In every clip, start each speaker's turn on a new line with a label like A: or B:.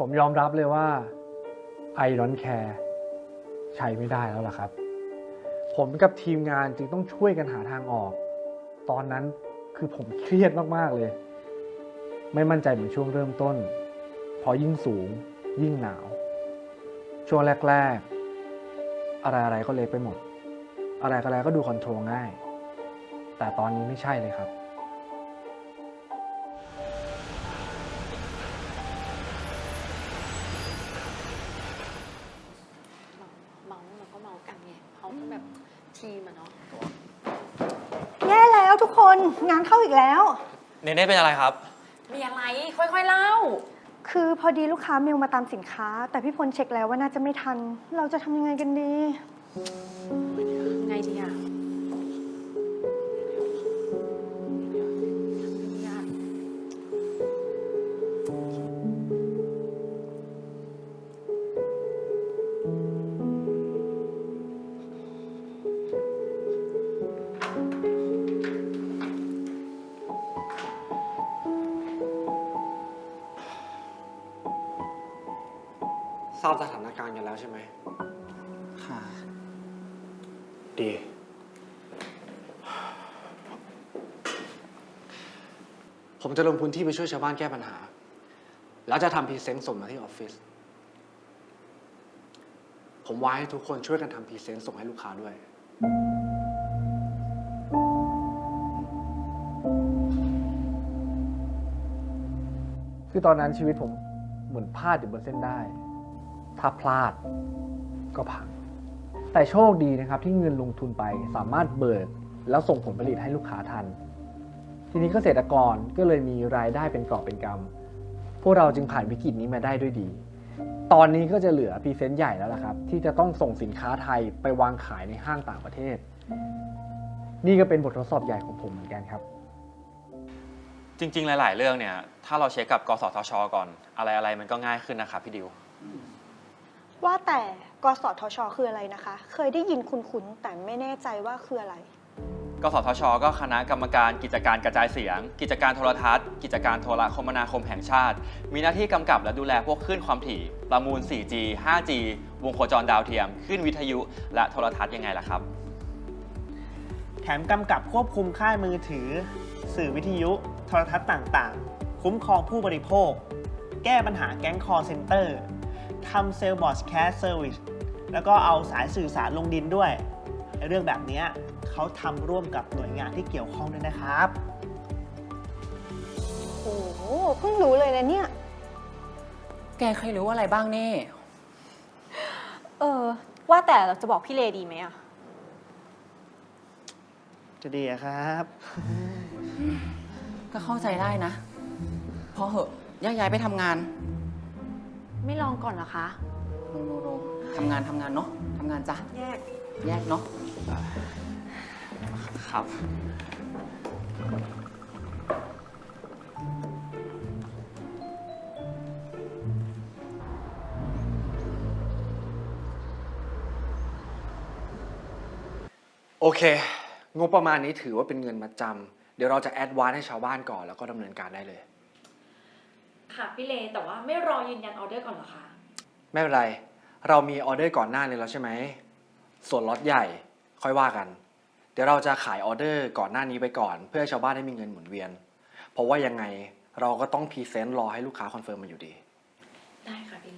A: ผมยอมรับเลยว่า I don't care ใช้ไม่ได้แล้วล่ะครับ ผมกับทีมงานจึงต้องช่วยกันหาทางออก ตอนนั้นคือผมเครียดมากๆเลย ไม่มั่นใจเหมือนช่วงเริ่มต้น พอยิ่งสูงยิ่งหนาว ช่วงแรกๆ อะไรๆก็เล็กไปหมด อะไรๆก็ดูคอนโทรลง่าย แต่ตอนนี้ไม่ใช่เลยครับ
B: เมาเราก็เมากันไงเขาก็แบบทีมอะเนาะ
C: แย่แล้วทุกคนงานเข้าอีกแล้ว
D: เนเน่เป็นอะไรครับ
B: มีอะไรค่อยๆเล่า
C: คือพอดีลูกค้าเมลมาตามสินค้า แต่พี่พลเช็คแล้วว่าน่าจะไม่ทัน เราจะทำยังไงกันดี
B: ไงดีอะ
A: ทราบสถานการณ์กันแล้วใช่ไหม
D: ค่ะ
A: ดี ผมจะลงพื้นที่ไปช่วยชาวบ้านแก้ปัญหา แล้วจะทำพรีเซนต์ส่งมาที่ออฟฟิศ ผมว่าให้ทุกคนช่วยกันทำพรีเซนต์ส่งให้ลูกค้าด้วย คือตอนนั้นชีวิตผมเหมือนพลาดอยู่บนเส้นได้ ถ้าพลาดก็พัง แต่โชคดีนะครับที่เงินลงทุนไปสามารถเบิกแล้วส่งผลผลิตให้ลูกค้าทัน ทีนี้เกษตรกรก็เลยมีรายได้เป็นกอบเป็นกำพวกเราจึงผ่านวิกฤตนี้มาได้ด้วยดี ตอนนี้ก็จะเหลือพรีเซนต์ใหญ่แล้วล่ะครับ ที่จะต้องส่งสินค้าไทยไปวางขายในห้างต่างประเทศ นี่ก็เป็นบททดสอบใหญ่ของผมเหมือนกันครับ
D: จริงๆ หลายๆ เรื่องเนี่ย ถ้าเราเช็คกับกสทช ก่อน อะไรๆ มันก็ง่ายขึ้นนะครับพี่ดิว
C: ว่าแต่กสทช คืออะไรนะคะ เคยได้ยินคุ้นๆแต่ไม่แน่ใจว่าคืออะไร
D: กสทช ก็คณะกรรมการกิจการกระจายเสียง กิจการโทรทัศน์ กิจการโทรคมนาคมแห่งชาติ มีหน้าที่กำกับและดูแลพวกคลื่นความถี่ ประมูล 4G 5G วงโคจรดาวเทียมคลื่นวิทยุ และโทรทัศน์ยังไงล่ะครับ
E: แถมกำกับควบคุมค่ายมือถือ สื่อวิทยุ โทรทัศน์ต่างๆ คุ้มครองผู้บริโภค แก้ปัญหาแก๊งคอร์เซ็นเตอร์ทำเซลล์บอร์ดแคสเซอร์วิสแล้วก็เอาสายสื่อสารลงดินด้วยเรื่องแบบนี้เขาทำร่วมกับหน่วยงานที่เกี่ยวข้องด้วยนะครับ
C: โอ้โหเพิ่งรู้เลยนะเนี่ย
F: แกเคยรู้อะไรบ้างนี่
B: ว่าแต่เราจะบอกพี่เลดีไหมอะ
E: จะดีอะครับ
F: ก็เข้าใจได้นะ พอเหอะแยกย้ายไปทำงาน
B: ไม่ลองก่อนเหรอคะ
F: โนทำงานเนาะทำงานจ้ะ แยกเนาะ
D: ครับ
A: โอเค งบประมาณนี้ถือว่าเป็นเงินมาจำ เดี๋ยวเราจะแอดวานซ์ให้ชาวบ้านก่อนแล้วก็ดำเนินการได้เลย
G: ค่ะพี่เลแต่ว่าไม่รอยืนยันออเดอร์ก่อนเหรอคะ
A: ไม่เป็นไร เรามีออเดอร์ก่อนหน้านี้แล้วใช่ไหม ส่วนล็อตใหญ่ค่อยว่ากัน เดี๋ยวเราจะขายออเดอร์ก่อนหน้านี้ไปก่อน เพื่อให้ชาวบ้านได้มีเงินหมุนเวียน เพราะว่ายังไงเราก็ต้องพรีเซนต์รอให้ลูกค้าคอนเฟิร์มมาอยู่ดี
G: ได้ค่ะพี่เล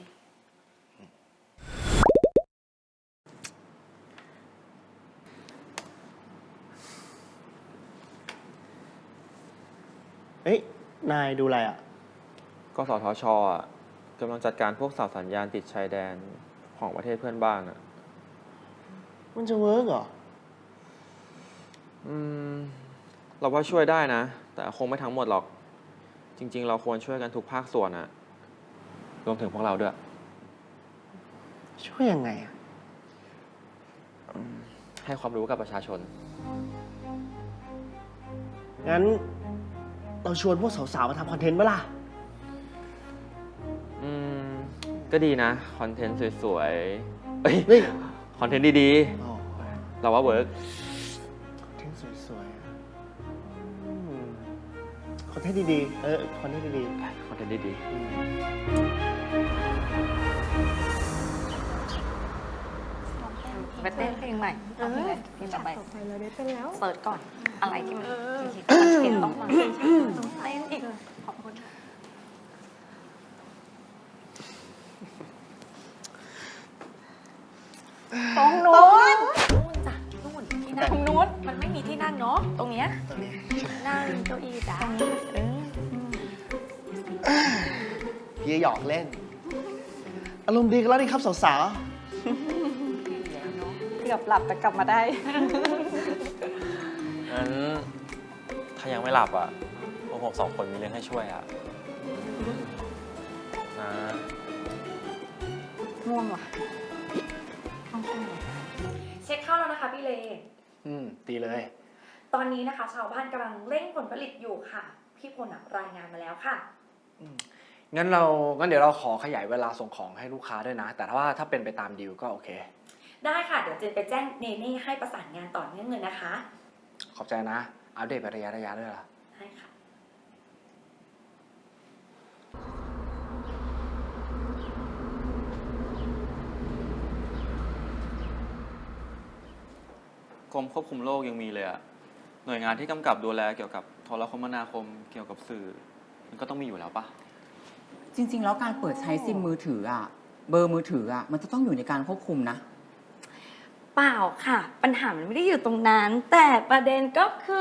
E: เฮ้ย นายดูอะไรอ่ะ
D: กสทชกำลังจัดการพวกเสาสัญญาณติดชายแดนของประเทศเพื่อนบ้านอะ
E: มันจะเวิร์กเหรอ
D: เราว่าช่วยได้นะ แต่คงไม่ทั้งหมดหรอก จริงๆ เราควรช่วยกันทุกภาคส่วนอะรวมถึงพวกเราด้วย
E: ช่วยยังไงอ่ะ
D: ให้ความรู้กับประชาชน
E: งั้น เราชวนพวกสาวๆมาทำคอนเทนต์ปะล่ะ
D: ก็ดีนะ คอนเทนต์สวยๆเอ้ย
E: เฮ้ย
D: คอนเทนต์ดี
E: อ๋อ
D: ๆ เราว่าเวิร์ก
E: คอนเทนต์สวยๆอะคอนเทนต์ดีๆ คอนเทนต์ดี
D: คอนเทนต์ดี
E: ๆ
B: เต้นเพลงใหม่เอาเพลงอะไรเพลงต่อไป
C: ต่อไปเราได้เต้นแล้ว
B: เสิร์ชก่อน อะไรที่มันคิดว่าเห็นต้องมาเต้นอีก ขอบคุณค่ะ ตรงนู้นจ้ะนู่นที่นั่งตรงนู้นมันไม่มีที่นั่งเนาะตรงเนี้ยนั่งเก้าอี้จ้ะ
E: พี่หยอกเล่น อารมณ์ดีกันแล้วนี่ครับสาว
B: เกือบหลับแต่กลับมาได้
D: งั้นถ้ายังไม่หลับอ่ะพวกผมสองคนมีเรื่องให้ช่วยอ่ะนะ
B: ง่วงว่ะ
G: เช็คเข้าแล้วนะคะพี่เล
A: ดีเลย
G: ตอนนี้นะคะชาวบ้านกำลังเร่งผลผลิตอยู่ค่ะ พี่พลรายงานมาแล้วค่ะ
A: งั้นเดี๋ยวเราขอขยายเวลาส่งของให้ลูกค้าด้วยนะ แต่ถ้าเป็นไปตามดีลก็โอเค
G: ได้ค่ะ เดี๋ยวเจนไปแจ้งเนเน่ให้ประสานงานต่อเนื่องเลยนะคะ
A: ขอบใจนะ อัปเดตไประยะด้วยล่ะ
G: ได้ค่ะ
D: กรมควบคุมโรคยังมีเลยอ่ะ หน่วยงานที่กำกับดูแลเกี่ยวกับโทรคมนาคมเกี่ยวกับสื่อ มันก็ต้องมีอยู่แล้วปะ
F: จริง ๆ แล้วการเปิดใช้ซิมมือถืออะเบอร์มือถืออะมันจะต้องอยู่ในการควบคุมนะ
B: เปล่าค่ะ ปัญหามันไม่ได้อยู่ตรงนั้น แต่ประเด็นก็คือ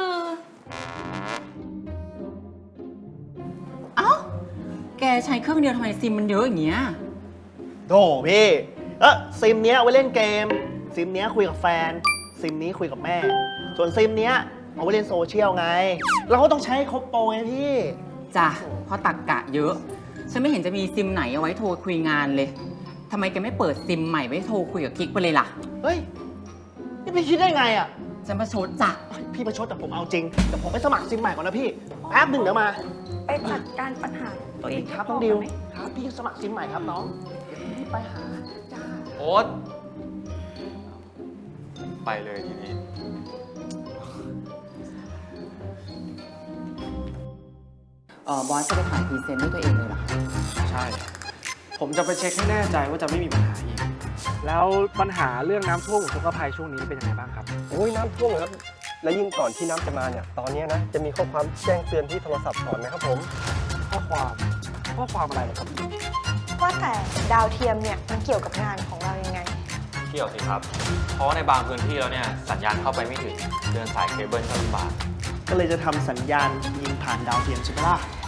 F: เอ้า แกใช้เครื่องเดียวทำไมซิมมันเยอะอย่างเงี้ย
E: ๆโธ่พี่ซิมเนี้ยเอาไว้เล่นเกม ซิมเนี้ยคุยกับแฟน ซิมนี้คุยกับแม่ ส่วนซิมเนี้ยเอาไว้เล่นโซเชียลไง เราก็ต้องใช้ให้ครบโปรไงพี่
F: จ้ะเพราะตักกะเยอะ ฉันไม่เห็นจะมีซิมไหนเอาไว้โทรคุยงานเลยทำไมแกไม่เปิดซิมใหม่ไว้โทรคุยกับกิ๊กไปเลยล่ะ
E: เฮ้ย นี่พี่คิดได้ไงอ่ะ
F: ฉันประชดจ้ะ
E: พี่ประชดแต่ผมเอาจริง แต่ผมไปสมัครซิมใหม่ก่อนนะพี่ แป๊บหนึ่งเดี๋ยวมา
B: ไปจัดการปัญหาตัวเอง
E: ครับน้องดิว ครับพี่สมัครซิมใหม่ครับน้อง เดี๋ยวพี่ไปหาจ้า
D: โอ๊ตไปเลยทีนี้
F: บอสจะไปถ่ายพรีเซนต์ด้วยตัวเองเลยเหรอ
A: ใช่ ผมจะไปเช็คให้แน่ใจว่าจะไม่มีปัญหาอีก แล้วปัญหาเรื่องน้ำท่วมอุทกภัยช่วงนี้เป็นยังไงบ้างครับ
H: โอ้ยน้ำท่วมเลยครับ และยิ่งก่อนที่น้ำจะมาเนี่ย ตอนนี้นะ จะมีข้อความแจ้งเตือนที่โทรศัพท์ก่อนนะครับผม
A: ข้อความอะไรเหรอครับ
C: ว่าแต่ดาวเทียมเนี่ยมันเกี่ยวกับงานของเรายังไง
D: เกี่ยวสิครับ เพราะว่าในบางพื้นที่แล้วเนี่ยสัญญาณเข้าไปไม่ถึง เดินสายเคเบิลก็ลำบาก
E: ก็เลยจะทำสัญญาณยิงผ่านดาวเทียมใช่ไหมล่ะ